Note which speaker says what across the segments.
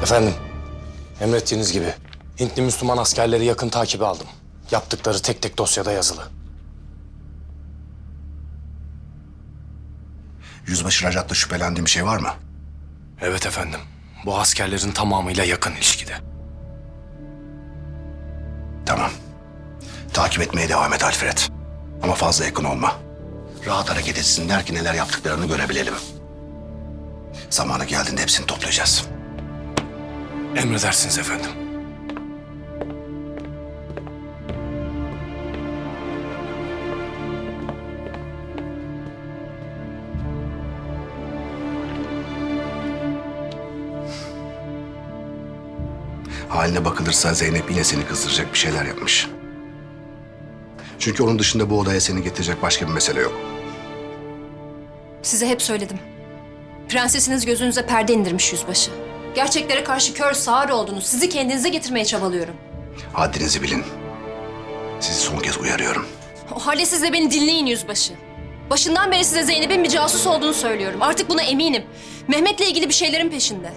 Speaker 1: Efendim, emrettiğiniz gibi Hintli Müslüman askerleri yakın takibe aldım. Yaptıkları tek tek dosyada yazılı.
Speaker 2: Yüzbaşı Rajat'la şüphelendiğim bir şey var mı?
Speaker 1: Evet efendim, bu askerlerin tamamıyla yakın ilişkide.
Speaker 2: Tamam. Takip etmeye devam et Alfred. Ama fazla yakın olma. Rahat hareket etsinler ki neler yaptıklarını görebilelim. Zamanı geldiğinde hepsini toplayacağız.
Speaker 1: Emredersiniz efendim.
Speaker 2: Haline bakılırsa Zeynep yine seni kızdıracak bir şeyler yapmış. Çünkü onun dışında bu odaya seni getirecek başka bir mesele yok.
Speaker 3: Size hep söyledim. Prensesiniz gözünüze perde indirmiş yüzbaşı. Gerçeklere karşı kör sağır oldunuz. Sizi kendinize getirmeye çabalıyorum.
Speaker 2: Haddinizi bilin. Sizi son kez uyarıyorum.
Speaker 3: O halde siz de beni dinleyin yüzbaşı. Başından beri size Zeynep'in bir casus olduğunu söylüyorum. Artık buna eminim. Mehmet'le ilgili bir şeylerin peşinde.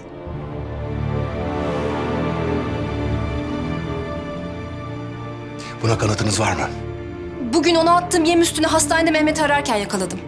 Speaker 2: Buna kanıtınız var mı?
Speaker 3: Bugün ona attığım yem üstüne hastanede Mehmet'i ararken yakaladım.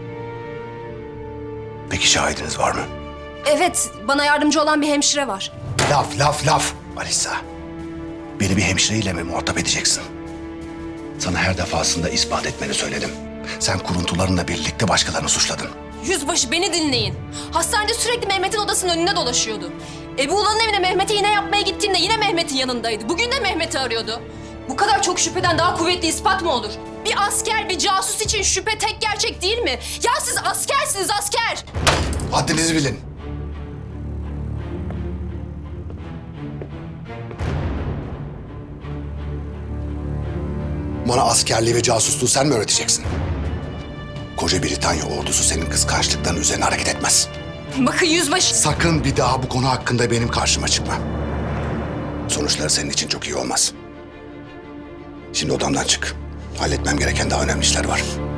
Speaker 2: Peki şahidiniz var mı?
Speaker 3: Evet, bana yardımcı olan bir hemşire var.
Speaker 2: Laf. Alisa. Beni bir hemşireyle mi muhatap edeceksin? Sana her defasında ispat etmeni söyledim. Sen kuruntularınla birlikte başkalarını suçladın.
Speaker 3: Yüzbaşı beni dinleyin. Hastanede sürekli Mehmet'in odasının önünde dolaşıyordu. Ebu Ulan'ın evine Mehmet'e iğne yapmaya gittiğimde yine Mehmet'in yanındaydı. Bugün de Mehmet'i arıyordu. Bu kadar çok şüpheden daha kuvvetli ispat mı olur? Bir asker, bir casus için şüphe tek gerçek değil mi? Ya siz askersiniz, asker!
Speaker 2: Haddinizi bilin. Bana askerliği ve casusluğu sen mi öğreteceksin? Koca Britanya ordusu senin kıskançlıkların üzerine hareket etmez.
Speaker 3: Bakın yüzbaşı...
Speaker 2: Sakın bir daha bu konu hakkında benim karşıma çıkma. Sonuçları senin için çok iyi olmaz. Şimdi odamdan çık. Halletmem gereken daha önemli işler var.